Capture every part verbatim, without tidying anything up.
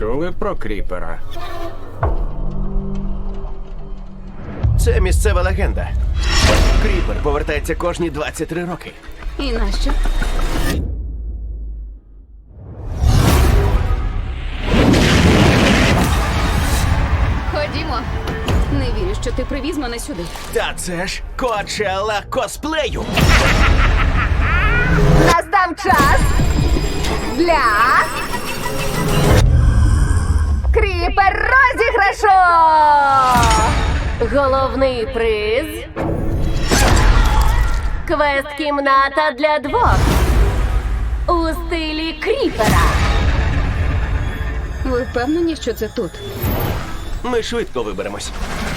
чули про кріпера? Це місцева легенда. Кріпер повертається кожні двадцять три роки. І нащо? Ходімо. Не вірю, що ти привіз мене сюди. Та це ж Коачелла косплею. Настав час для кріпер розіграшу! Головний приз – квест-кімната для двох у стилі кріпера. Ви впевнені, що це тут? Ми швидко виберемось.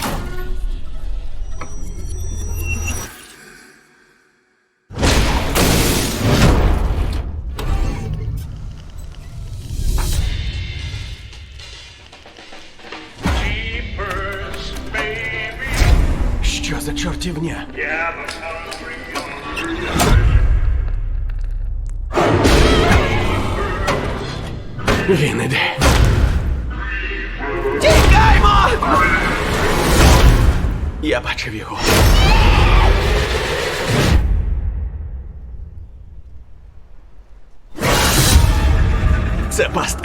Jeepers, baby. Що за чортівня? Yeah, I'm hungry, hungry. Він іде. Тікаймо! Я бачив його. Це пастка.